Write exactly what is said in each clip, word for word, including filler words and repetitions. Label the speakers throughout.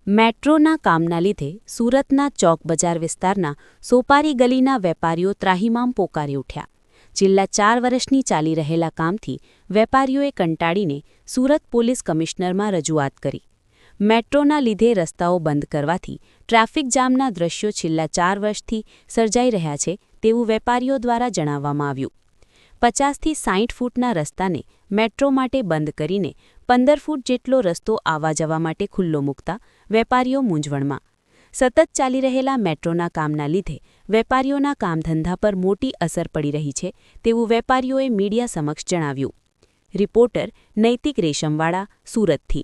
Speaker 1: મેટ્રોના કામના લીધે સુરતના ચોક બજાર વિસ્તારના સોપારી ગલીના વેપારીઓ ત્રાહિમામ પોકારી ઉઠ્યા. છેલ્લા ચાર વર્ષની ચાલી રહેલા કામથી વેપારીઓએ કંટાળીને સુરત પોલીસ કમિશનરમાં રજૂઆત કરી. મેટ્રોના લીધે રસ્તાઓ બંધ કરવાથી ટ્રાફિક જામના દ્રશ્યો છેલ્લા ચાર વર્ષથી સર્જાઈ રહ્યા છે તેવું વેપારીઓ દ્વારા જણાવવામાં આવ્યું. પચાસથી સાઠ ફૂટના રસ્તાને મેટ્રો માટે બંધ કરીને પંદર ફૂટ જેટલો રસ્તો આવવા જવા માટે ખુલ્લો મૂકતા વેપારીઓ મૂંઝવણમાં. સતત ચાલી રહેલા મેટ્રોના કામના લીધે વેપારીઓના કામધંધા પર મોટી અસર પડી રહી છે તેવું વેપારીઓએ મીડિયા સમક્ષ જણાવ્યું. રિપોર્ટર નૈતિક રેશમવાળા, સુરતથી.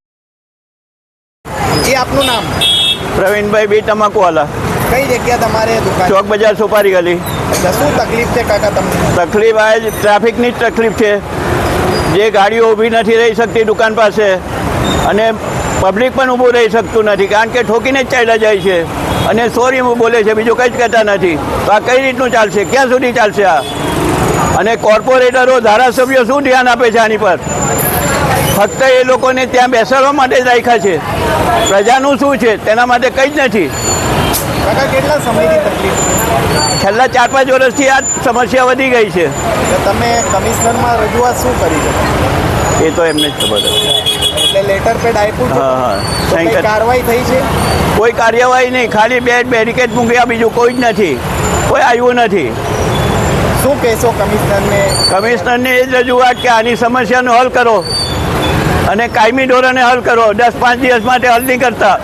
Speaker 2: એ આપનું નામ?
Speaker 3: પ્રવીણભાઈ બી તમાકુવાલા.
Speaker 2: કઈ જગ્યા તમારે દુકાન?
Speaker 3: ચોક બજાર સોપારી ગલી.
Speaker 2: શું તકલીફ છે કાકા તમને?
Speaker 3: તકલીફ આ જ ટ્રાફિકની જ તકલીફ છે. જે ગાડીઓ ઊભી નથી રહી શકતી દુકાન પાસે અને પબ્લિક પણ ઊભું રહી શકતું નથી, કારણ કે ઠોકીને જ ચાલ્યા જાય છે અને સોરી બોલે છે, બીજું કંઈ જ કહેતા નથી. તો આ કઈ રીતનું ચાલશે? ક્યાં સુધી ચાલશે આ? અને કોર્પોરેટરો, ધારાસભ્યો શું ધ્યાન આપે છે આની પર? ફક્ત એ લોકોને ત્યાં બેસાડવા માટે જ રાખ્યા છે. પ્રજાનું શું છે તેના માટે કંઈ જ નથી.
Speaker 2: કાકા કેટલા સમયથી તકલીફ?
Speaker 3: છેલ્લા ચાર પાંચ વર્ષથી આ સમસ્યા વધી ગઈ છે.
Speaker 2: તો તમે કમિશનરમાં રજૂઆત શું કરી છે?
Speaker 3: એ તો એમને જ ખબર હતી.
Speaker 2: એટલે લેટર પેડ આપ્યું છે?
Speaker 3: હા હા.
Speaker 2: તો કંઈ કાર્યવાહી થઈ છે?
Speaker 3: કોઈ કાર્યવાહી નહીં, ખાલી બે બેરિકેડ મૂક્યા, બીજું કોઈ જ નથી. કોઈ આવ્યું નથી.
Speaker 2: શું કહેશો કમિશનરને?
Speaker 3: કમિશનરને એ જ રજૂઆત કે આની સમસ્યાનો હલ કરો અને કાયમી ધોરણે હલ કરો. દસ પાંચ દિવસ માટે હલ नहीं करता.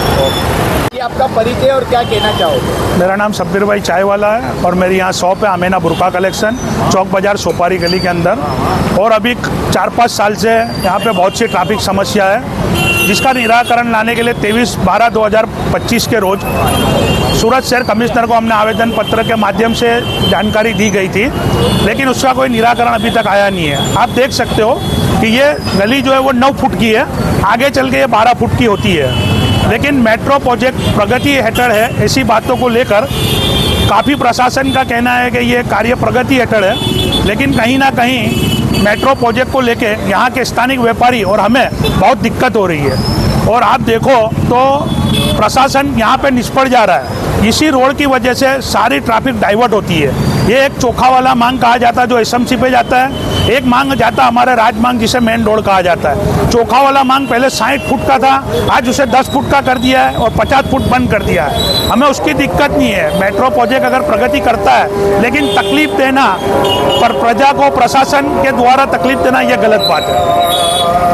Speaker 2: आपका परिचय और क्या कहना चाहोगे?
Speaker 4: मेरा नाम सब्बीर भाई चाय वाला है और मेरी यहाँ शॉप है अमेना बुरका कलेक्शन, चौक बाजार सोपारी गली के अंदर. और अभी चार पाँच साल से यहाँ पे बहुत सी ट्रैफिक समस्या है, जिसका निराकरण लाने के लिए तेईस बारह दो हज़ार पच्चीस के रोज सूरत शहर कमिश्नर को हमने आवेदन पत्र के माध्यम से जानकारी दी गई थी, लेकिन उसका कोई निराकरण अभी तक आया नहीं है. आप देख सकते हो कि ये गली जो है वो नौ फुट की है, आगे चल के ये बारह फुट की होती है. लेकिन मेट्रो प्रोजेक्ट प्रगति हेठड़ है, ऐसी बातों को लेकर काफ़ी प्रशासन का कहना है कि ये कार्य प्रगति हेठड़ है, लेकिन कहीं ना कहीं मेट्रो प्रोजेक्ट को लेके यहाँ के स्थानिक व्यापारी और हमें बहुत दिक्कत हो रही है. और आप देखो तो प्रशासन यहाँ पे निष्फल जा रहा है. इसी रोड की वजह से सारी ट्रैफिक डाइवर्ट होती है. ये एक चोखा वाला मांग कहा जाता है जो एसएमसी पे जाता है, एक मांग जाता है हमारे राजमांग जिसे मेन रोड कहा जाता है. चोखा वाला मांग पहले साठ फुट का था, आज उसे दस फुट का कर दिया है और पचास फुट बंद कर दिया है. हमें उसकी दिक्कत नहीं है. मेट्रो प्रोजेक्ट अगर प्रगति करता है, लेकिन तकलीफ देना पर प्रजा को प्रशासन के द्वारा तकलीफ देना यह गलत बात है.